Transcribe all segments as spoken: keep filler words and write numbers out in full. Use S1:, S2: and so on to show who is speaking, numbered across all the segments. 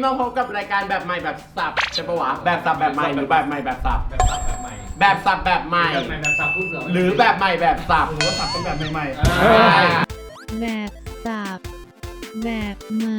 S1: มาพบกับรายการแบบใหม่แบบสับใช่ปะวะแบบสับแบบใหม่หรือแบบใหม่แบบสับ
S2: แบบสับแบบใหม่
S1: แบบสับแบบใหม่
S2: แบบใหม่แบบสับพูดเสือ
S1: หรือแบบใหม่แบบสับ
S3: หรือว่าสับเป็นแบบใหม่
S4: แบบสับแบบใหม่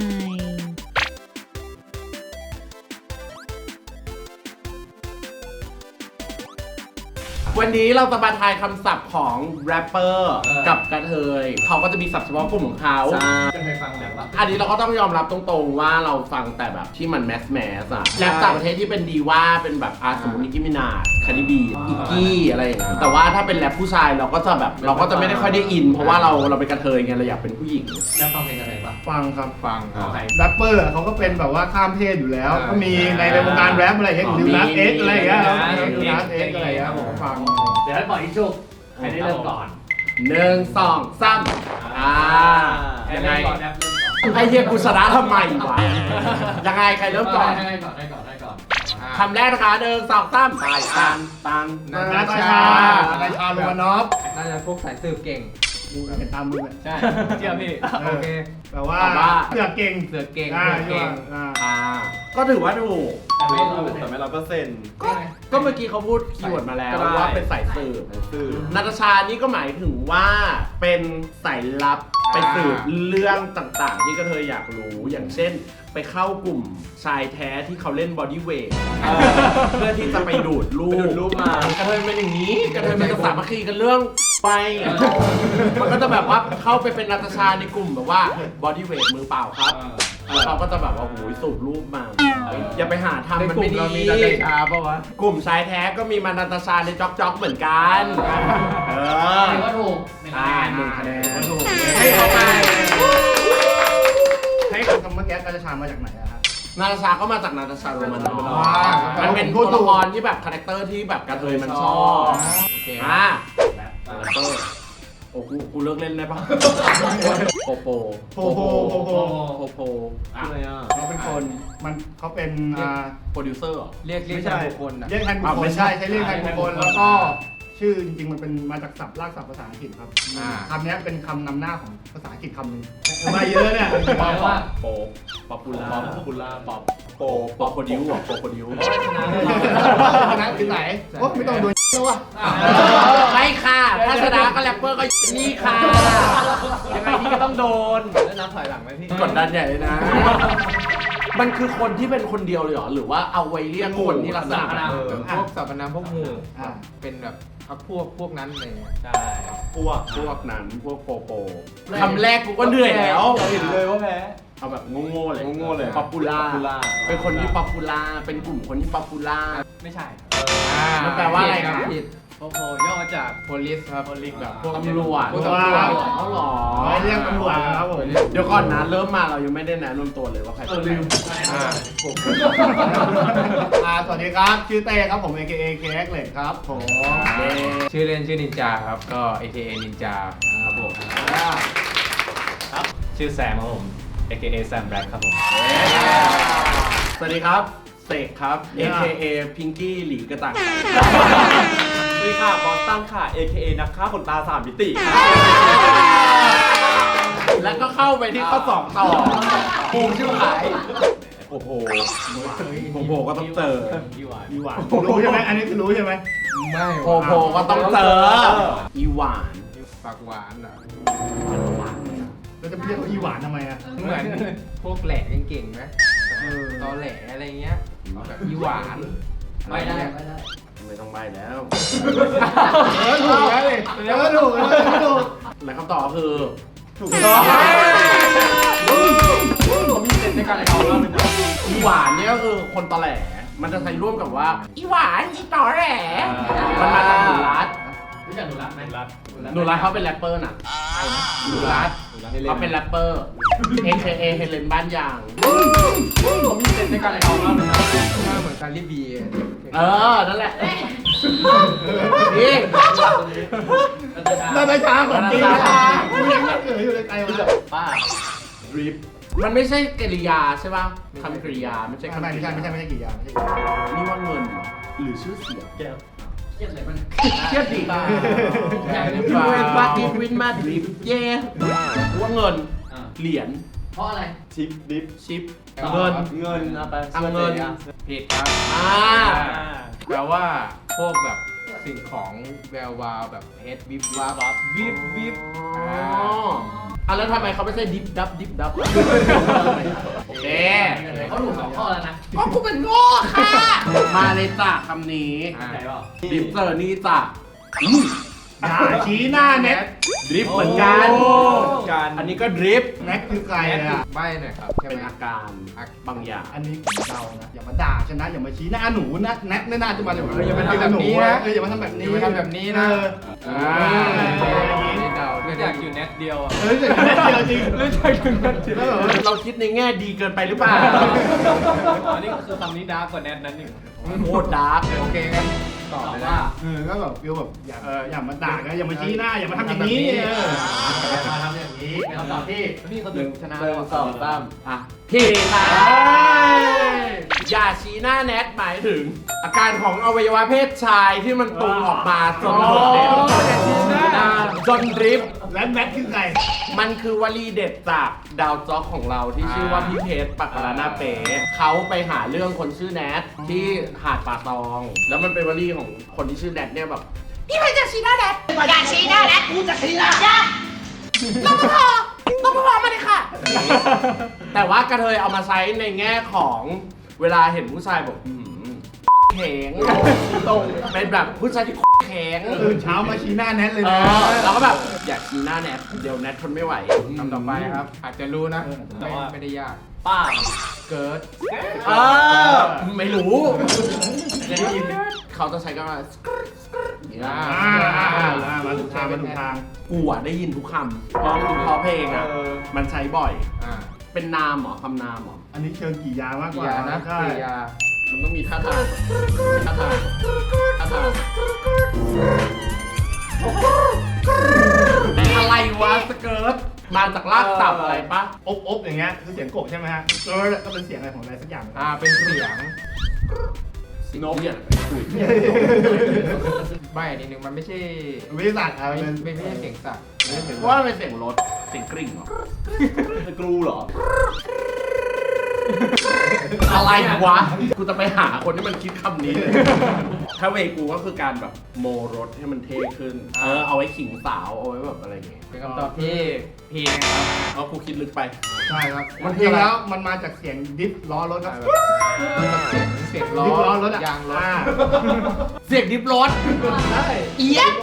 S1: วันนี้เราจะมาทายคำศัพท์ของแรปเปอร์กับกระเทยเขาก็จะมีศัพท์เฉพาะกลุ่มของเขา
S2: จะเคยฟังแบบว่า
S1: อันนี้เราก็ต้องยอมรับตรงๆว่าเราฟังแต่แบบที่มันแมสแมสอะแรปต่างประเทศที่เป็นดีว่าเป็นแบบอาสมมตินิกกี้มินาจคาร์ดิบีอีกกี้อะไรอย่างเงี้ยแต่ว่าถ้าเป็นแรปผู้ชายเราก็จะแบบเราก็จะไม่ได้ค่อยได้อิน เพราะว่าเราเราเป็นกระเทยไงเราอยากเป็นผู้หญิง
S2: แล้วฟังเพลงอะไรปะ
S3: ๆ ฟังครับ
S2: ฟังใคร
S3: แรปเปอร์เขาก็เป็นแบบว่าข้ามเพศอยู่แล้ว
S2: อ่า
S3: ก็มีในในวงการแรปอะไรอย่างเงี้ย
S1: อ๋อ
S3: ดิวนัส
S1: มี
S3: เอ็กอะไรอย่างเงี้ย
S2: มี
S3: ดิวนัสเอ็กอะไรอย่างเงี้ยผมก็ฟัง
S2: เดี๋ยวให้ปล่อยอีกชุกใครได้เริ่มก่อน
S1: หนึ่งสองสามอ่ายังไง
S2: ก่อนแรปเริ่มก่อน
S1: ไอเฮียกูชนะทำไมวะยังไงใครเริ่มก่อน
S2: ให้ก่อนให้ก่อนให้ก่อน
S1: คำแรกนะคะหนึ่งสองสามตายตันตัน
S3: นาตาชานาตาชาโรมานอฟ
S5: น่าจะพวกสายสืบเก่ง
S3: ดูเห็นตามมือเลย
S5: ใช่เชื่อพี่ โอเค
S3: แต่ว่าเสือเก่ง
S5: เสือเก่ง
S3: อ่า
S5: เสือเก่ง
S3: อ่า
S1: อ่าก็ถือว่าถูก
S2: แต่ไม่ร้อยเปอร์เซ็น
S6: แต่
S2: ต์
S6: ไม่ร้อยเปอร์เซ็นต์
S1: ก็ก็เมื่อกี้เขาพูดคีย์เวิร์ดมาแล้ว
S6: ก็ได้
S1: ว่าเป็นสายสืบ
S6: คือ
S1: นาตาชานี่ก็หมายถึงว่าเป็นสายลับไปสืบเรื่องต่างๆ ที่กระเทยอยากรู้อย่างเช่น ไปเข้ากลุ่มชายแท้ที่เขาเล่นบอดี้เวทเพื่อที่จะไปดูดลูก
S6: ไปดูดลูกมาก
S1: ระเทยเป็นอย่างนี้กระเทยมันจะสามัคคีกันเรื่องไปมันก็จะแบบว่าเข้าไปเป็นนาตาชาในกลุ่มแบบว่าบอดี้เวทมือเปล่าครับแล้วเราก็จะแบบว่าโอ้ยสูบรูปมาอย่าไปหาทำมันไม่ดี
S5: เรามีนาตาชาปะวะ
S1: กลุ่มชายแท้ก็มีมานาตาชาในจ็อกจ็อกเหมือนกันเออ
S2: ถือว่าถูก
S1: อ่าหนึ่งคะแนน
S3: ถูก
S1: ให้เข้าไป
S3: ให้คำเมื่อกี้นาตาชามาจากไหนอะครับ
S1: นาตาชาก็มาจากนาตาชาโรมานอฟ
S3: ว้าว
S1: มันเป็นตัวละครที่แบบคาแรคเตอร์ที่แบบกระเทยมันชอบโอเคอ่ะ
S2: แรป
S1: คาแรคเตอร์โอ้กูกูเลิกเล่นได้ปะโปโป
S3: โปโปโปโป
S1: โปโปอ่ะ
S6: อะไรอ่ะ
S3: เขาเป็นคนมันเขาเป็นอ่า
S1: โปรดิวเซอร์เหรอ
S5: เรียกเรียก
S6: ไม่ใช่
S5: บุคคลนะ
S3: เรียกแทนบุค
S1: อ่ะ
S3: ค
S1: ไม่
S3: ล
S1: ใช่
S3: ใช่ใช้เรียกแทนบุคคลแล้วก็ชื่อจริงๆมันเป็นมาจากศัพท์รากศัพท์ภาษาอังกฤษครับ
S5: อ่า
S3: คำนี้เป็นคำนำหน้าของภาษาอังกฤษคำหนึ่งมาเยอะเนี่ย
S2: แปลว่า
S1: โปป๊อปปูล่า
S6: ป๊อปปูล่า
S1: ป๊อป
S6: โป
S1: ป๊อปโปรดิวอ่ะโปรโปรดิว
S3: ชนะที่ไหนโอ้ไม่ต้องดูแล้ววะ
S1: ไม่ค่ะถ้าชนะก็แรปเปอร์ก็นี่ค่ะ ยังไงนี่ก็ต้องโดน
S5: แล้วนับถอยหลังไหมพี่
S1: กดดันใหญ่เลยนะ มันคือคนที่เป็นคนเดียวเลยเหรอ หรือว่าเอาไว้เรียกคนที่ลักษณะแบบ
S5: เออพวกสรรพนามพวกหมู่
S3: อ่า
S5: เป็นแบบพักพวกพวกนั้นเลย
S2: ใช่
S6: พวก
S1: พวกนั้นพวกโปโปคำแรกกูก็เหนื่อยแล้ว
S6: เห็นเลยว่าแพ้
S1: เอาแบบโง่ๆเลย
S6: โง่ๆเลย
S1: ป๊อปปูล่า
S6: Popular
S1: เป็นคนที่ป๊อปปูล่า เป็นกลุ่มคนที่ป๊อปปูล่า
S2: ไม่ใช่
S1: มันแปลว่าอะไร
S5: ผิด
S1: ครับ
S5: ผิดโอ้โหย่อมาจาก police ครับ police แบบพวก
S1: ตำรวจ
S5: พวกตำรวจ
S1: เขาหรอ
S3: ไว้เรียกตำรวจนะครับผม
S1: เดี๋ยวก่อนนะเริ่มมาเรายังไม่ได้แนะนำตัวเลยว่าใครเป็นใคร
S5: อ่า
S3: อ่าสวัสดีครับ ชื่อเต้ครับผม เอ เค เอ เค เอ็กซ์ เหล็กครับผม
S1: เย้
S5: ชื่อเล่นชื่อนินจาครับ ก็ เอ เค เอ นินจาครับผม
S6: ชื่อแซมครับผม เอ เค เอ แซมแบล็คครับผม
S1: สวัสดีครับเสกครับ เอ เค เอ พิงกี้หลีกระต่าง
S6: สวัสดีค่ะ บอสตันค่ะ เอ เค เอ นักฆ่าขนตาสามมิติ
S1: แล้วก็เข้าไปที่ข้อสองต่อปูมชื่อขาย
S6: โอ้โห
S1: โผโผก็ต้องเจอ
S2: ยี่หวาน
S3: มีหวานรู้ใช่ไหมอันนี้คือรู้ใช่ไหม
S5: ไม่
S1: โผโผก็ต้องเจอ อีหวาน
S5: ปากหวานเหรอ
S3: แล้วจะเรียกเขาอีหวานทำไมอ่ะ
S5: เหมือนพวกแหล่เก่งๆไหมตอแหลอะไรเงี้ยแบบอีหวาน
S2: ไม่ได้ไม่ได้
S1: ไม่ต้องใบแล้ว
S3: เออถูกแล้วเลยเออถูกเออถูก
S1: และคำตอบคือ
S6: ถูกต้อง
S2: ผมมีเซ็นในการเอาแล้วเป็น
S1: อีหวานเนี่ยก็คือคนตอแหล มันจะใช้ร่วมกับว่า อีหวาน อีตอแหล มันมาจากหนูรัด
S2: รู้จักหนูรักไหมรัก
S1: หนูรัดเขาเป็นแรปเปอร์น่ะหนูรัดเขาเป็นแรปเปอร์ เอ เค เอ เฮเลนบ้านยาง
S2: ผมมีเซ็นในการเอาแล้วเป็น
S5: หน้าเหมือนการรีบี
S1: เออ นั่นแหละ นี่
S3: นาตาชาของจริงนะกูยังไม่เกิดอยู่ในใจวะ
S1: ป้าดริปมันไม่ใช่กริยาใช่ป่ะคำกริยาไม่ใช่
S3: ไม่
S1: คำกริ
S3: ใช่
S1: ยา
S3: ไม่ใช่ไม่ใช่กี่อย่างไม่ใช่กี่อย่าง
S1: นี่ว่าเงินหรือชื่อเสียง
S6: แก้ว
S2: เครียดเลยมัน
S1: เครียดดิ
S2: ใหญ่หรือ
S1: วิ
S2: เปล่า
S1: นว่าดิวินมาดริปเย่ว่าเงิน
S2: อ่า
S1: เหรียญ
S2: เพราะอะไร
S6: ชิปดิฟ
S1: ชิป
S5: อ๋อ
S1: เงิน
S6: เงินเอาไป
S1: เอาเงิน
S5: ผิดครับ
S1: อ่า
S5: แปลว่าพวกแบบสิ่งของแวววาวแบบเพชรวิบวับวิบวิบ
S1: อ๋ออ่ะแล้วทำไมเขาไม่ใช่ดิฟดับดิฟดับโอเค
S2: เขาถูกสองข้อแล้วนะ
S1: ก็กูเป็นโง่ค่ะ มาเลยจ้ะคำนี้
S5: อ่า
S2: ใจเปล่า
S1: ดิฟเซอร์นี่จ้ะ
S3: อย่าชี้หน้าแน็ก
S1: ดริฟเหมือนกัน
S6: การ
S1: อันนี้ก็ดริฟ
S3: แน็กคือใครอ่ะ
S5: ใบหน่อยครับใช่
S1: เป็น
S5: ไหม
S1: อาการบางอย่าง
S3: อันนี้ผมเดานะอย่ามาด่าฉันนะอย่ามาชี้หน้าหนูนะแน็กไม่น่าจะมาแบบ
S5: เอออย่ามาทำแบบนี้นะ
S3: เอออย่ามาทำแบบนี้
S5: อย่ามาทำแบบนี้นะ
S3: เออ
S5: อ่านี่เดา
S2: อยากอยู่แน็กเดียวอ่ะ
S3: เออแต่แน็กเดียวจริง
S5: ไม่ใช่ถึงนั้นจริง
S3: แล้วแบบว่า
S1: เราคิดในแง่ดีเกินไปหรือเปล่า
S2: อันนี้ก็คือคำนี้ดาร์กกว่าแน็กนั้นอีก
S1: โคตรดาร์ก
S5: โอเคงั้นตอบ
S2: ตอบ
S5: เลย
S2: ว่า
S5: นะ
S3: เออก็แบบฟิลแบบอย่าเอออย่ามาด่ากันอย่ามาชี้หน้าอย่ามาทำอย่างนี้เออ
S2: มาทำอย่างนี้เป็นคำตอบที่พี่เขา
S6: หนึ่ง
S2: ชนะ
S6: หนึ่งสองสาม
S1: อ่ะพี่ค่ะอย่าชี้หน้าแนทหมายถึง อาการของอวัยวะเพศชายที่มันตุงออกมาจนโดดเด่นจนดริฟต์
S3: และแน็กคือใคร
S1: มันคือวลีเด็ดจากดาวจ็อกของเราที่ชื่อว่าพี่เพชรปักกะลาหน้าเป๋เขาไปหาเรื่องคนชื่อแนทที่หาดป่าตอง แล้วมันเป็นวลีของคนที่ชื่อแนทเนี่ยแบบพี่เพชรจะชี้หน้าแนท
S7: อย่าชี้หน้าแน็กกูจะชี้หน้าอย่า
S1: น้องพอน้องพอมาเลยค่ะ แต่ว่ากระเทยเอามาใช้ในแง่ของเวลาเห็นผู้ชายแบบอืมแข็งตรงเป็นแบบผู้ชายที่แข็ง
S3: ตื่นเช้ามาชี้หน้าแน็กเลย
S1: เอ
S3: นะ
S1: อแล้วก็แบบอยากชี้หน้าแนทเดี๋ยวแนททนไม่ไหว
S5: คำต่อไปครับ อาจจะรู้นะไม่ไม่ได้ยาก
S2: ป้า
S5: เกิด
S1: เออไม่รู้จะได้ยินเขาจะใช้กันว่าสกรึ๊ดสกรึ๊ดอย่างเงี้ย
S3: อ่ามาถูกทางมาถูกทาง
S1: กูอ่ะได้ยินทุกคำเพราะเพราะเพลงอ่ะมันใช้บ่อย
S5: อ่า
S1: เป็นนามเหรอคำนามเหรอ
S3: อันนี้เชิงกี่ยามากก
S5: กี่
S3: ว่าย
S5: านะ
S3: ใช่
S5: กี่ยา
S1: มันต้องมีท่าทางท่าทางท่าทางอะไรวะสเกิร์ตมาจากลากศัพท์อะไรปะ
S3: อบอบอย่างเงี้ยคือเสียงกบใช่ไหมฮะเออก็เป็นเสียงอะไรของอะไรสักอย่าง
S5: อ่าเป็นเสียง
S1: นกเนี่ยคุย
S5: ใบนิดนึงมันไม่ใช่
S3: วิทยาศาสตร์อะไร
S5: ไม่
S3: เป็น
S5: ไม่ไม่ใช่เสียงสัตว์
S1: เพราะว่ามันเป็นเสียงรถเสียงกริ่งเหรอ
S6: สกรูเหรอ
S1: อะไรวะ กูจะไปหาคนที่มันคิดคำนี้เลย ถ้าเวกูก็คือการแบบโมรถให้มันเท่ขึ้น เออเอาไว้ขิงสาวเอาไว้แบบอะไรอย่างเงี้ย
S5: เป็นคำตอบที่ผิดนะครับ
S1: เอากูคิดลึกไป
S3: ใช่ครับ
S1: มั
S3: มัน น
S1: คือ
S3: จริง
S1: อะไร
S3: แล้วมันมาจากเสียงดิฟล้อรถครับ
S5: เสียงเสียงล้อ
S3: ดิฟล้อรถอะ
S5: ยางรถ
S3: อ่า
S1: เสียงดิฟรถ
S3: ใช่
S1: เอี๊ยด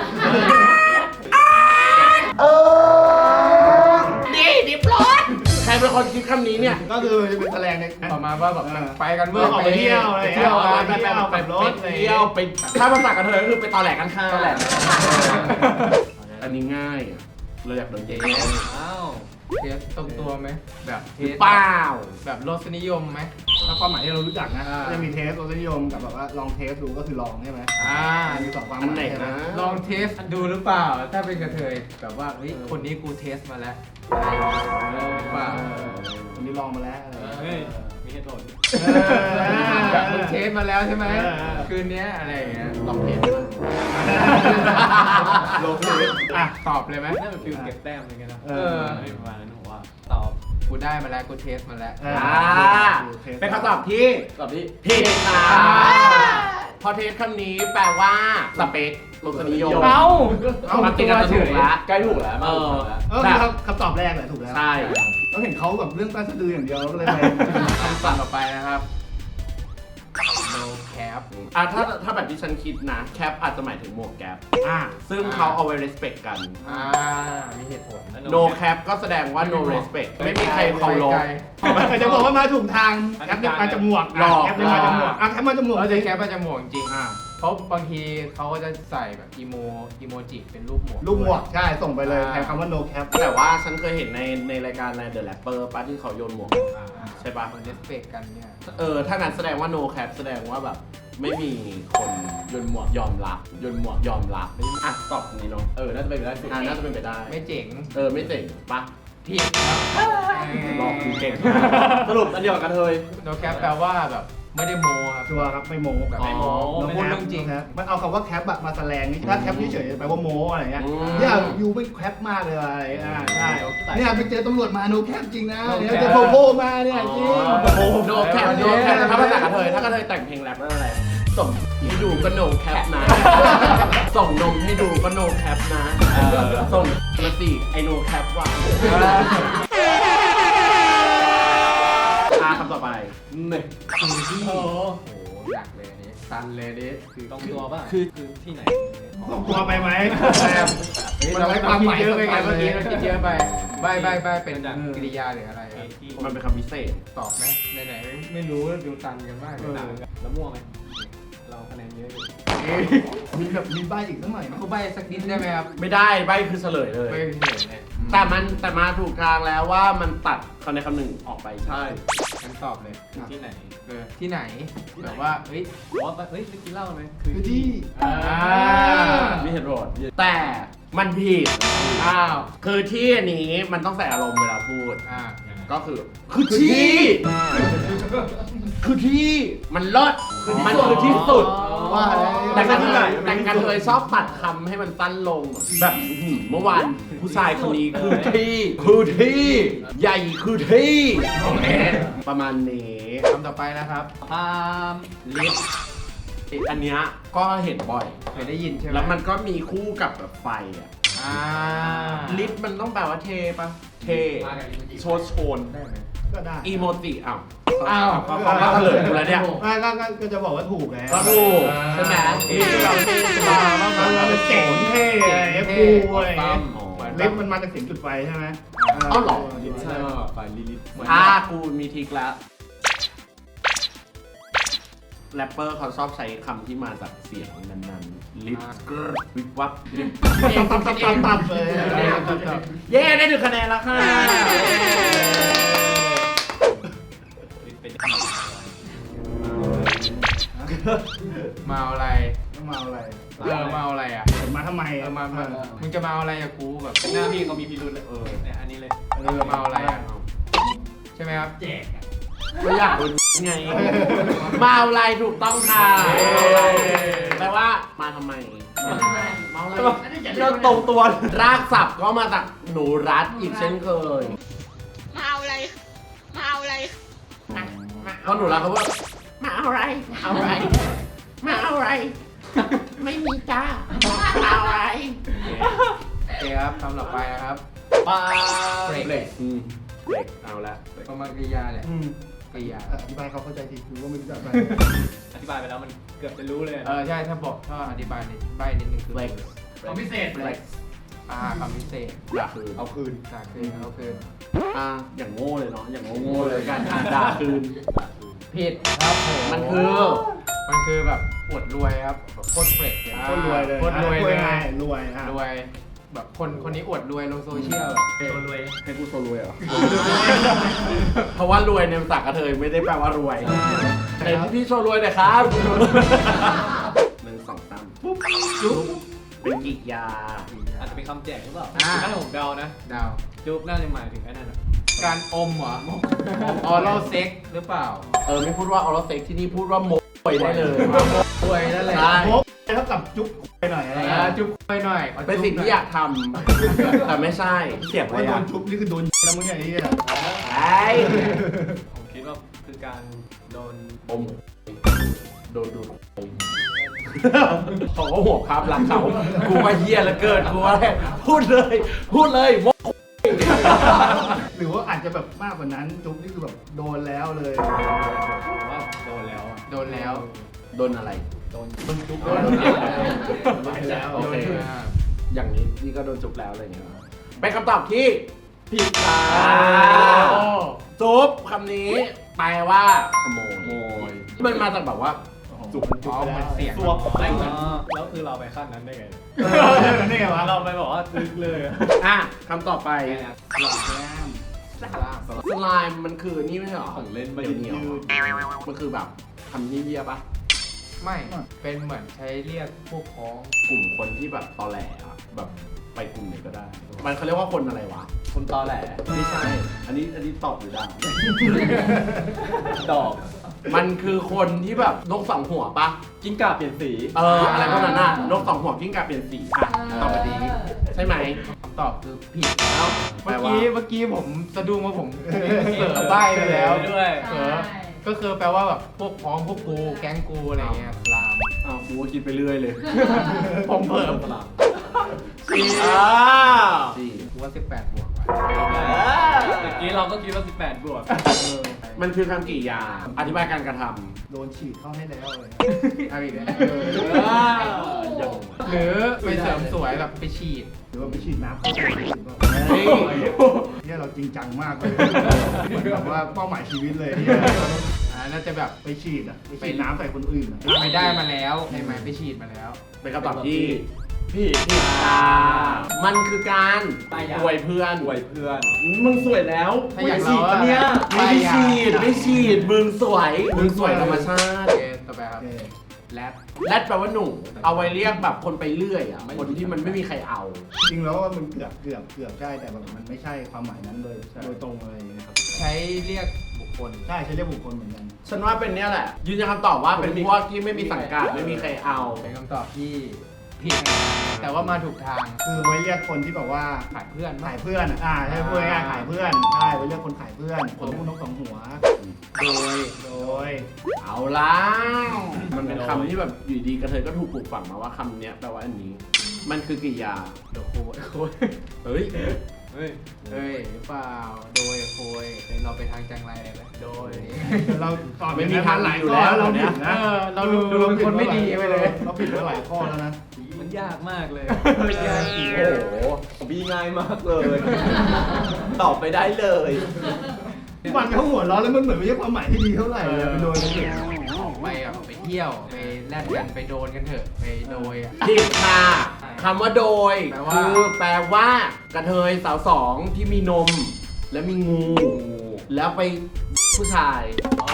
S1: นี่ดิฟรถ ใครเป็นคนคิดคำนี้เนี่ย
S3: ก็คือจะเป็นแสดงใน
S5: ประมาณว่าแบบ
S3: เออ
S5: ไปกัน
S3: เมื่อออกไปเที่ยวอะไร
S5: ไป
S3: เที่
S5: เที่
S3: ย
S5: ยว ว
S3: ไป
S5: กัน
S3: เที่ยวไปรถ
S1: ไปเที่ยวไปถ้าภาษากระเทยก็คือไปตอแหลกันค่ะ
S6: ตอแหลก
S1: อันนี้ง่ายอะเราอยากโดนเจ๊
S2: อ้าว
S5: เทสตรงตัวไหมแบบเทส
S1: เปล่า
S5: แบบรสนิยมไหม
S3: ถ้าความหมายที่เรารู้จักนะ
S5: อ่า
S3: จะมีเทสรสนิยมกับแบบว่าลองเทสดูก็คือลองใช่ไหม
S5: อ่า
S3: มีสองความห
S1: อัน
S3: มาย
S1: ไหน
S3: ใช่ไหม
S1: นะ
S5: ลองเทสดูหรือเปล่า ถ้าเป็นกระเทยแบบว่าเฮ้ยคนนี้กูเทสมาแล้วหรือเปล่า
S3: วันนี้ลองมาแล้วอะไร
S2: เฮ้ย มีเหตุผล
S3: เออ
S5: แบบมึงเทสมาแล้วใช่ไหม
S3: เออเออ
S5: คืนเนี้ยอะไรอย่างเงี้ย
S1: ลองเทส
S3: ลองเทสอ่ะ
S5: ตอบเลยไหม
S2: น่าเป็นฟิลเก็บแต้มอะไรเงี้ยนะ
S3: เออ
S2: ประมาณนั้นผมว่า ตอบ
S5: กูได้มาแล้วกูเทสมาแล้ว
S3: เออ
S1: อ่าเป็นคำตอบที่
S6: ตอบที่
S1: ผิดค่ะพอเทสคำนี้แปลว่าสเปครสนิยม
S5: เอ้า
S3: เอา
S1: มาติดกันจะถูกละ
S6: ใกล้ถูกแล้วมาถูกแล้ว
S3: เออคือคำคำตอบแรกแหละถูกแล้ว
S1: ใช่
S3: เราเห็นเขาแบบเรื่องใต้สะดืออย่างเดียวเราก็เลยไป
S5: คำสั่งต่อไปนะครับ no cap
S1: อ่ะถ้าถ้าแบบที่ฉันคิดนะแคปอาจจะหมายถึงหมวกแก๊ป
S3: อ่า
S1: ซึ่งเขาเอาไว้ respect กัน
S5: อ่า มีเหตุผล
S1: no cap ก็แสดงว่า no respect ไม่มีใครเคารพ
S3: แต่จะบอกว่ามาถูกทางแอปเนี่ยมาจมูก
S1: หลอก
S3: แอปเนี่ยมาจมูกอ่ะแอปมาจมูก
S5: เราจะแคปมาจมูกจริง
S3: อ่า
S5: ๆเพราะบางทีเขาก็จะใส่แบบอีโมอีโมจิเป็นรูปหมวก
S3: ลูกหมวกใช่ส่งไปเลยแทนคำว่า no cap
S1: แต่ว่าฉันเคยเห็นในในรายการใน The Rapper ป้าที่เขาโยนหมวก ใช่ปะ
S5: มันเรสเปกกันเนี่ย
S1: เออ ถ้างั้นแสดงว่า no cap แสดงว่าแบบไม่มีคนโยนหมวกยอมรับโยนหมวกยอมรับอ่ะตอบตรงนี้เนาะ
S6: เออ น่าจะเป็นไปได้สุด
S1: อ่าน่าจะเป็นไปได้
S5: ไม่เจ๋ง
S1: เออ ไม่เจ๋งปะ
S5: ผิดครับ
S1: หลอกกูเก่ง
S6: สรุปอันเดียวกับกระเทย
S5: โนแคปแปลว่าแบบไม่ได้โมครับ
S3: ชัวร์ครับไม่โม้
S5: แบบไม่โม
S3: เรา
S5: พูดเรื่องจริง
S3: ครับมันเอาคำว่าแคปอะมาแสลงนี่ถ้าแคปเฉยๆแปลว่าโม้อะไรเงี้ย
S1: อืม
S3: เนี่ยยูไม่แคปมากเลยอะไรอ่าใช่เนี่ยไปเจอตำรวจมาโนแคปจริงนะ
S5: No
S3: เนี่ย
S5: cap
S3: เจอโพโพมาเนี่ยจริง
S1: โนแคปโนแคปถ้าภาษากระเทยถ้ากระเทยแต่งเพลงแรปนั่นอะไรส่งให้ดูก็โนแคปนะ ส่งนมให้ดูก็โนแคปนะเออส่งมาสิไอโนแคปว่ะอ่ะคำต่อไปเนี่ย
S5: โอ้โหหนักเลยอันนี้ตันเลยอันนี้คือ
S2: ตรงตัวป่ะ
S1: คือ
S2: คือที่ไหน
S3: ต้องกลัวไปไหม
S5: มันเราความหมายเยอะไปไงเมื่อกี้เราคิดเยอะไปใบใบใบเป็นกริยาหรืออะไร
S2: ที่
S1: มันเป็นคำพิเศษ
S5: ตอบไหมไหนๆไม่รู้ดูตันกันมากเลย
S2: หนังแล้วม่วงไหมเราคะแนนเยอะอยู่
S3: มีแบบมีใบอีกสักหน่อยไหม
S5: เขาใบสักนิดได้ไหมครับ
S1: ไม่ได้ใบคือเฉลยเลย
S5: ใบเห็นเลย
S1: แต่มันแต่มาถูกทางแล้วว่ามันตัดคำในคำหนึ่งออกไปใช่
S5: ฉันตอบเลย
S2: คือที่ไหน
S5: เออที่ไหนแบบว่าเฮ้ย
S2: บอกว่าเฮ้ยไปกินเหล้าไหม
S3: คือที่
S5: อ่า
S1: มีเหตุผลแต่มันผิด
S5: อ้าว
S1: คือที่อันนี้มันต้องใส่อารมณ์เวลาพูด
S5: อ่า
S1: ก็คือ คือที่ คือที่มันเลิศมันคือที่สุด
S3: ว่าอะไร
S1: แต่กันเลยแต่กันเลยชอบตัดคำให้มันสั้นลง แบบอื้อหือเมื่อวานผู้ชายคนนี้คือที่ คือที่ ใหญ่คือที่โอเคประมาณนี้
S5: คำต่อไปนะครับ
S2: พาม
S1: ลิฟอันเนี้ยก็เห็นบ่อย
S5: เคยได้ยินใช่ไหม
S1: แล้วมันก็มีคู่กับแบบไฟอ่ะ
S5: อ่า
S1: ลิฟต์มันต้องแปลว่าเทปะเทโชว์โชน
S5: ได้ไหม
S3: ก็ได้
S1: อีโมจิอ้าว
S5: อ้าว
S1: เขาเขาเขาเฉลยกูแล้วเนี่ย
S3: ไม่ก็ก็ก็จะบอกว่าถูกแล้ว
S1: ก็ถูกใช่ไหม
S3: ลิฟต์เราเท่ใช่ไหมเราเป็นเจ๋งเท่อะไรกูอะไรอย่างเงี้ย
S5: เหมือน
S3: ลิฟต์มันมาจากเสียงจุดไฟใช่ไหม
S1: อ้าวเหรอ
S6: ใช่ฝ่ายลิลิต
S1: อ่ากูมีทริกแล้วแรปเปอร์เขาชอบใช้คำที่มาจากเสียงนั้นๆลิฟต์วิบวับลิฟต์
S3: ตับตับตับตับเลย
S1: เย้ได้หนึ่งคะแนนแล้วค่ะ
S2: เป็น
S5: มาเอาอะไร
S3: ต้องมาอะไร
S5: เออมาเอาอะไรอ่ะ
S3: มาทำไม
S5: เออมามามึงจะมาเอาอะไรกับกูแบบ
S2: เป็นหน้าพี่เขามีพิรุธเลยเออเนี่ยอันนี้เลย
S5: เออมาเอาอะไรอ่ะใช่ไหมครับแจก
S1: ไม่อยากโดนไง มาเอาอะไรถูกต้องค่ะแปลว่ามาทำไมมาเอาอะไร
S6: เราตรงตัว
S1: รากศัพท์ก็มาจากหนูรัดอีกเช่นเคย
S7: มาเอาอะไร มาเอาอะไร
S1: เพราะหนูรัดเขาว่ามาเอาอะไรเอาอะไร มาเอาอะไร ไม่มีจ้ามาเอาอะไร
S5: โอเคครับคำต่อไปนะครับ
S1: ปลา
S5: เบรก
S1: เบรกอืมเบรกเอาละ
S5: ประมาณกริยาแหละ
S3: อืม
S5: กริยา
S3: อธิบายเขาเข้าใจทีกูก็ไม่รู้จักไป
S2: อธิบายไปแล้วมันเกือบจะรู้เลย
S5: เออใช่ถ้าบอกถ้าอธิบายนิดใบนิดนึงคือ
S1: เบรก
S5: คำพิเศษ
S1: เบรก
S5: อ่าคำพิเศษ
S1: ด่าคืน
S3: เอาคืน
S5: จากคืนเอาคืน
S1: อ่าอย่างโง่เลยเนาะอย่างโง่ๆเลยการอ่านด่าคืน
S5: ผิดครับผม
S1: มันคือ
S5: มันคือแบบอวดรวยครับแบบโคตรเฟรชเลย
S3: โคตรรวยเลย
S5: โคตรรวยเลย
S3: รวยอ่ะ
S5: รวยแบบคนคนนี้อวดรวยลงโซเชียล
S2: ตัวรวย
S1: ให้กูโซรวยเหรอ เพราะว่ารวยในภาษากระเทยไม่ได้แปลว่ารวยแต่พี่โชว์รวยหน่อยครับหนึ่งสองสามปุ๊บจุ๊บเป็นกิยา
S2: อาจจะเป็นคำแจกหรือเปล่า
S5: อ่า
S2: ถ้าผมเดานะ
S5: ดาว
S2: จุ๊บน่าจะหมายถึงไอ้นั่นอ่ะ
S5: การอมเหรอออรัลเซ็กหรือเปล่า
S1: เออไม่พูดว่าออร์เซ็กที่นี่พูดว่าโมยได้เลย
S5: รวยนั่นแหละ
S1: ใช่
S3: โป๊ะเท่ากับจุ๊บไปหน่อยอะไร
S5: อ่า
S3: เงี้ย
S5: จุ๊บไปหน่อย
S1: เป็นสิ่งที่อยากทำแต่ไม่ใช่เสียงอะไร
S3: ว่าโด
S1: อ่ะ
S3: นจุ๊บนี่คือโดนแล้วมึงอย่างนี้อ่ะ
S1: ไอ้
S2: ผมคิดว่าคือการโดน
S1: อมโดนดูดเขาก็ห่วงภาพลักษณ์เขากูว่าเฮียแล้วเกินกูว่าพูดเลยพูดเลยโม
S3: หรือว่าอาจจะแบบมากกว่านั้นจุ๊บนี่คือแบบโดนแล้วเลย
S2: ผมว่าโดนแล้วอะ
S5: โดนแล้ว
S1: โดนอะไร
S2: โดน
S3: โดนจุ๊บ
S1: โดน
S3: โดน
S1: จุ๊บ
S3: แล้ว
S1: โอเค
S5: โดนอ่า
S1: อย่างนี้นี่ก็โดนจุบแล้วอะไรอย่างเงี้ยเป็นคำตอบที่ผิดค่ะจุบคำนี้แปลว่าขโมยมันมาจากแบบว่า
S3: จุ๊บจุ๊
S5: อ๋
S3: บ
S5: อ
S3: ไป
S5: เหมือน
S3: แล้ว
S5: เสียง
S2: ตัวไม่เหมือนแล้วคือเราไปขั้นนั้นได้ไง
S3: นี่ไงวะ
S2: เราไปบอกว่าลึกเลยอะ
S1: อ่ะคำต่อไป
S3: หลอกแก้ม
S1: สไลม์มันคือนี่ไม่ใช่หรอ
S6: ของเล่น
S1: เห
S6: ไม่
S1: นียวๆมันคือแบบทำนี่เยี่ยปะ
S5: ไม่เป็นเหมือนใช้เรียกพวกพ้อง
S1: กลุ่มคนที่แบบตอแหลอะแบบไปกลุ่มไหนก็ได้ มันเขาเรียกว่าคนอะไรวะ คนตอแหลไม่ใช่ อันนี้อันนี้ตอบหรือด่า
S6: ดอก
S1: มันคือคนที่แบบนกสองหัวปะ
S6: กิ้งก่าเปลี่ยนสี
S1: เอออะไรพวกนั้นน่ะนกสองหัวกิ้งก่าเปลี่ยนสีอ่ะตอบมาดีใช่ไหม
S5: คำตอบคือผิดแล้วเมื่อกี้เมื่อกี้ผมสะดุ้งว่าผมเสือใบ้ไปแล้ว
S2: ด้วย
S5: เสือก็คือแปลว่าแบบพวกพ้องพวกกูแก๊งกูอะไรเงี้ยลาม
S1: อ้าวกูก็คิดไปเรื่อยเลย
S5: ผมเพิ่ม
S1: สี่อ่าสี่
S5: กูว่าสิบแปดบวกไป
S2: เมื่อกี้เราก็คิดว่าสิบแปดบวก
S1: มันคือคำกริยาอธิบายการกระท
S3: โดนฉีดเข้าให้แล้วเลย
S5: เอาอีกแล้ว
S1: ำอ่าอย่าง
S5: หรือไปเสริมสวยแบบไปฉีด
S3: หรือว่าไปฉีดน้ำเข้าตัวเองหรือเปล่า
S1: เฮ้ย
S3: เนี่ยเราจริงจังมากเลยเหมือนแบบว่าเป้าหมายชีวิตเลยเนี่ย
S5: อ่าน่าจะแบบ
S3: ไปฉีดอ่ะไปฉีดน้ำใส่คนอื่นอ่ะ
S5: ไปได้มาแล้วใช่ไหมไปฉีดมาแล้ว
S1: เป็นคำตอบที่
S6: พี่พี่
S1: อ่ามันคือการ
S6: ป้ายยา
S1: อวยเพื่อน
S6: อวยเพื่อน
S1: มึงสวยแล้ว
S5: ถ้าอยาก
S1: ฉีด
S5: รู้ว่า
S1: เนี่ย
S5: ป้า
S1: ไม่
S5: ยยา
S1: ฉีดไม่ฉีดมึงสวยมึงสวยธรรมชา
S5: โอ
S1: ติ
S5: เคต่อไปครับ
S3: โอเค
S5: แรด
S1: แรดแปลว่าหนุ่มเอาไว้เรียกแบบคนไปเรื่อยอ่ะคนที่มันไม่มีใครเอา
S3: จริงแล้วว่ามันเกือบเกือบเกือบใช่แต่แบบมันไม่ใช่ความหมายนั้นเลยโดยตรงเลยนะครับ
S5: ใช้เรียกบุคคล
S3: ใช่ใช้เรียกบุคคลเหมือนกัน
S1: ฉันว่าเป็นเนี้ยแหละ ยืนยันคำตอบว่าเป็นพวกที่ไม่มีสังกัดไม่มีใครเอา
S5: เป็นคำตอบที่ผิดนะแต่ว่ามาถูกทาง
S3: คือไว้เรียกคนที่แบบว่า
S5: ขายเพื่อน
S3: ขายเพื่อนอะอ่าใช่พูดง่ายๆขายเพื่อนใช่ไว้เรียกคนขายเพื่อนคนพูดนกสองหัว
S5: โดย
S3: โดย
S1: เอาแล้วมันเป็นคำที่แบบอยู่ดีกระเทยก็ถูกปลูกฝังมาว่าคำเนี้ยแปลว่าอันนี้ มันคือกริยา
S5: โดยโคยโคย
S1: เฮ้ย
S2: เฮ้ย
S5: เฮ้ยหรือเปล่า โดยโคยเราไปทางจังไรเลยไหมโดย
S3: เราตอบ
S1: ไม่มีทาง
S3: หลาย
S1: อยู่
S3: ข้อ
S1: แล้ว
S3: เรา
S1: เนี่
S3: ผิ
S1: ย
S3: ดนะ
S5: เออเราดูดูเป็นคนไม่ดีไปเลย
S3: เราผิดมาหลายข้อแล้วนะ
S2: มันยากมากเลย
S5: ยากจริง
S6: โอ้โหบีง่ายมากเลย ตอบไปได้เลย
S3: มันเขาหัวเราะแล้วมันเหมือนไม่ใช่ความหมายที่ดีเท่าไหร่เลยไปโดนกันเถอะ
S5: ออกไปอ่ะไปเที่ยวไปแลดกันไปโดนกันเถอะไปโดยอ่ะ
S1: ผิดค่ะคำว่าโดย
S5: แปลว่า
S1: คือแปลว่ากระเทยสาวสองที่มีนม และมีงู แล้วไปผู้ชาย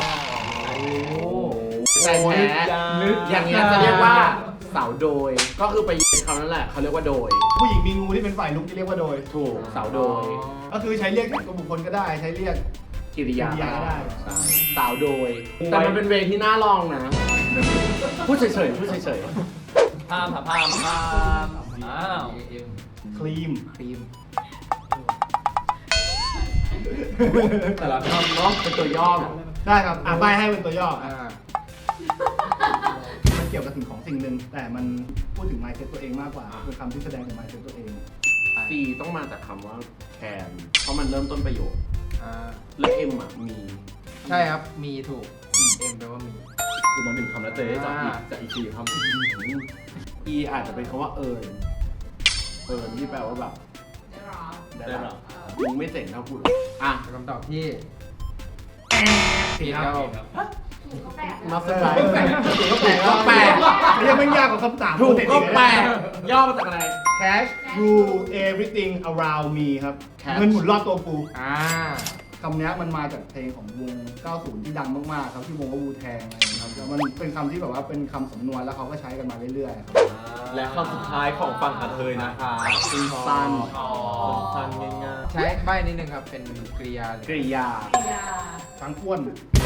S1: แต่แท้อย่างเงี้ยจะเรียกว่าสาวโดย ก็คือไปคำนั้นแหละเขาเรียกว่าโดย
S3: ผู้หญิงมีงูที่เป็นฝ่ายลุกที่เรียกว่าโดย
S1: ถูกสาวโดย
S3: ก็คือใช้เรียกกับบุคคลก็ได้ใช้เรียก
S1: กิริยา
S3: กิริยาได้
S1: ใช่สาวโดย แต่มันเป็นเวรที่น่าลองนะ พูดเฉยๆพูดเฉย
S2: พามค่ะพามพามอ้าว
S5: เอ็ม
S3: ครีม
S5: ครีม
S1: ๆแต่ละคำเนาะเป็นตัวย่อเหรอ
S3: ได้ครับอ่ะใบให้เป็นตัวย่ออ่ะ
S5: อ่า
S3: มันเกี่ยวกับสิ่งของสิ่งหนึ่งแต่มันพูดถึง mindset ตัวเองมากกว่าเป็นคำที่แสดงถึง mindset ตัวเอง
S1: ซีต้องมาจากคำว่าแคนเพราะมันเริ่มต้นประโยค
S5: อ่า
S1: และเอ็มอ่ะมี
S5: ใช่ครับมีถูกเอ็มแปลว่ามี
S6: คือมาหนึ่งคำแล้วเจ๊จากอีกจากอีกสี่คำ
S1: อีอาจจะเป็นคำว่าเอิญเอิญที่แปลว่าแบบได้
S6: ได้
S1: แบ
S6: หร
S1: บ
S6: อ
S1: มึงไม่เจ๋งเท่ากูหรอกอ่ะ
S5: เป็นคำตอบที่
S3: ผิดครับ
S1: มาสไตล์
S3: ก็แปลก
S1: ก็แปลกก็แปลก
S3: ไม่ใช่ไม่ยากกว่าคำถาม
S1: ถูกก็แปลก
S3: ก
S1: ย่อมาจากอะไร
S3: Cash rule everything around me ครับ
S1: Cash
S3: เงินหมุนรอบตัวกู
S5: อ่า
S3: คำเนี้ยมันมาจากเพลงของวง เก้าสิบ ที่ดังมากๆครับที่วงว่าวูแทงอะไรอย่างเงี้ยครับแล้วมันเป็นคำที่แบบว่าเป็นคำสำนวนแล้วเขาก็ใช้กันมาเรื่อยๆครับ
S6: และคำสุดท้ายของฝั่งกระเทยนะคะคือ
S1: สั้น
S6: สั้นง่าย
S5: ใช้ใบนิดนึงครับเป็นกริยาเลย
S1: กริยา
S3: ช้างอ้วน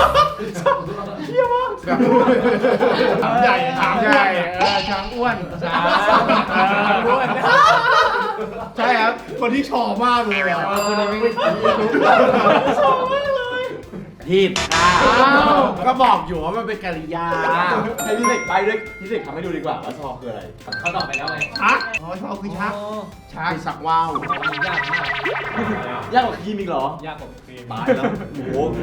S5: แบบ
S3: ถามใหญ่ถามใหญ่
S5: เออช้างอ้วนช้าง
S1: อ้วน
S3: ใช่ครับ คนที่ชอบมากเลยอ่ะ
S5: เออคนนี้ไม่
S1: ผิดอ่ะก็บอกอยู่ว่ามันเป็นกริยา
S6: ๆให้พี่เสกไปด้วยพี่เสกทำให้ดูดีกว่าว่าชอคืออะไร
S2: เขาตอบไปแล้วไง
S3: ชักอ๋อชอบคือชัก
S5: ช้าง
S1: คือสักว่าว
S2: ยากมาก
S6: ยากกว่าคีมอีกเหรอ
S2: ยากกว่าครีม
S6: ตายแล้วโอ้โห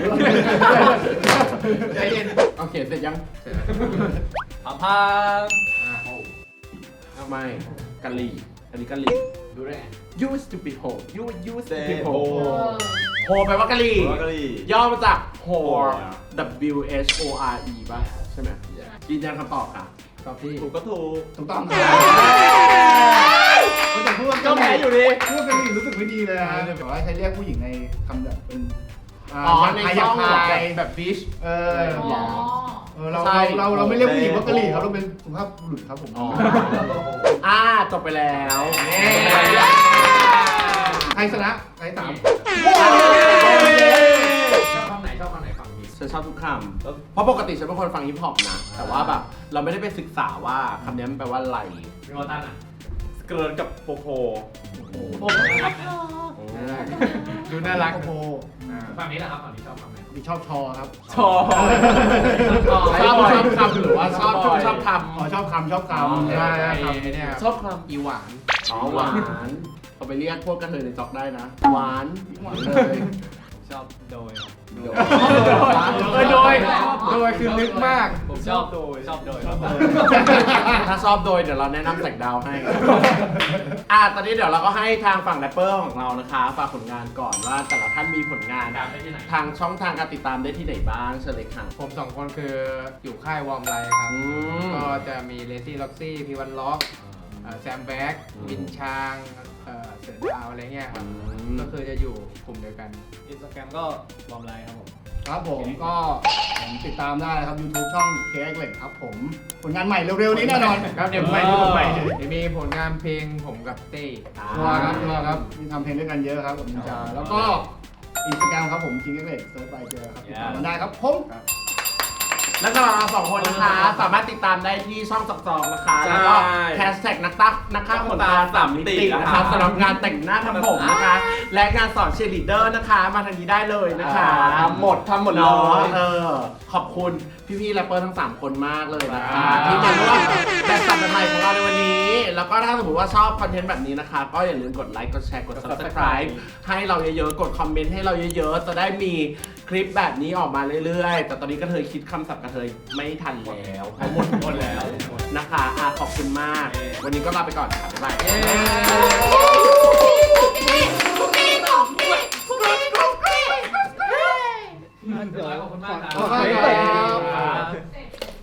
S5: ใจเย็น
S1: โอเคเสร็จยัง
S2: พามพาม
S5: อ่า
S1: ทำไมกะหรี่อันนี้กะหรี่ดูได้ไง you stupid hoe you you
S6: เซ
S1: stupid
S6: โฮ
S1: hoe hoe แปลว่ากะหรี่
S6: กะหรี่
S1: ย่อมาจาก whore
S6: whore
S1: W H O R E ป่ะใช่ไหมยืนยันคำตอบค่ะ
S5: ตอบที่
S6: ถูกก็ถูก
S3: ถูกต้องครับแต่พูดว่า
S6: ก็แพ้อยู่ดี
S3: พูดเป็นผู้หญิงรู้สึกไม่ดีเลยนะแบบว่าใช้เรียกผู้หญิงในคำแบบเป็นา
S1: อ๋อใน
S3: พ
S1: ช่อง
S3: ยา
S1: แบบ
S3: พาย
S5: แบบบิช
S3: เออ
S1: หรอ
S3: เออเรา
S1: ใช่
S3: เราเราเราไม่เรียกผู้หญิงว่ากะหรี่ครับเราเป็นสุภาพบุรุษครับผม
S1: อ๋ออ่าจบไปแล้ว
S3: ใครชนะใครสาม
S5: ชอบคำไหนชอบคำไหนฝั่งนี้
S1: ฉันชอบทุกคำเพราะปกติฉันเป็นคนฟังฮิปฮอปนะ แต่ว่าแบบเราไม่ได้ไปศึกษาว่าคำนี้มันแปลว่าอะไร
S2: พี่วอตันอ่ะ
S6: เกินกับโปโพ
S2: ผมนะครับ
S5: ดูน่ารัก
S3: โอ้โห
S2: ฝั่งนี้แหละครับฝั่งนี้ชอบฝั่งไหน
S3: มีชอบชอครับ
S6: ชอบ
S1: ชอบชอบคำหรือว่าชอบชอบชอบค
S3: อ๋อชอบคำชอบ
S1: อ๋อ
S3: คำ
S5: ใช่
S3: ใช่
S5: ค
S3: ค
S5: รั
S3: รั
S5: บบ ไอ้เนี่ย
S1: ำชอบค
S5: อีหวาน
S1: ำอ๋อหวานเอาไปเรียกพวกกระเทยในจ็อกได้นะ หวานเลย
S2: ชอบโดยครับ
S1: โดย
S5: เออโดยโดยคือลึกมาก
S2: ผมชอบโดยชอบโดยชอบโดย
S1: ถ้าชอบโดยเดี๋ยวเราแนะนำแสงดาวให้ อ่ะตอนนี้เดี๋ยวเราก็ให้ทางฝั่งแรปเปอร์ของเรานะคะฝากผลงานก่อนว่าแต่ละท่านมีผลงาน
S2: ตามได้ที่ไหน
S1: ทางช่องทางการติดตามได้ที่ไหนบ้างเชิญเลยค่ะ
S5: ผมสองคนคืออยู่ค่ายวอร์มไลท์ครับ
S1: อืม
S5: ก็จะมีเลซี่ล็อกซี่พีวันล็อกแซมแบ็ก
S1: อืม
S5: วินชางเอ่อเสือดาวอะไรเงี้ยครับ
S1: อืม
S5: ก็คือจะอยู่กลุ่มเดียวกัน
S2: อินสตาแกรมก็บอมไลน์ครับผม
S3: ครับผมก็ผมติดตามได้นะครับ YouTube ช่อง เค เอ็กซ์ เหล็กครับผมผลงานใหม่เร็วๆนี้แน่นอน
S5: ครับเดี๋ยว
S3: ผล
S5: ไป
S3: งาน
S5: ดู
S3: ให
S5: ไป
S3: ม่
S5: เดี๋ยวมีผลงานเพลงผมกับเต้
S3: ชัวร์ครับชัวร์ครับมีทำเพลงด้วยกันเยอะครับกับนินจาแล้วก็อินสตาแกรมครับผม คิง เอ็กซ์ เหล็กเซิร์ชไปเจอครับติดตามกันได้ครับผม
S1: แล้วก็เราสองคนนะคะ สามารถติดตามได้ที่ช่องสักจองนะคะ
S6: ใช่
S1: แล้วก็แฮชแท็กนักตักนักฆ่าขนตาสามมิตินะคะสำหรับงานแต่งหน้าทำผมนะคะ และงานสอนเชียร์ลีดเดอร์นะคะ มาทางนี้ได้เลยนะคะ
S6: ทำหมดทำหมดเล
S1: เนาะ
S6: ย
S1: เออขอบคุณพี่ๆแรปเปอร์ทั้งสามคนมากเลยนะคะ
S6: ครับ
S1: ที่มาร่วมแบบสัมใหม่ของเราในวันนี้ แล้วก็ถ้าสมมติว่าชอบคอนเทนต์แบบนี้นะคะ ก็อย่าลืมกดไลค์กดแชร์กด Subscribe ให้เราเยอะๆ กดคอมเมนต์ให้เราเยอะๆ จะได้มีคลิปแบบนี้ออกมาเรื่อยๆ แต่ตอนนี้กระเทยคิดคำศัพท์กระเทยไม่ทันแล้วเพราะหมดหมดแล้วนะคะอ่ะขอบคุณมาก วันนี้ก็ลาไปก่อนค่ะบ๊ายบาย
S2: ขอบคุณมากครั
S3: ขอบคุณครับ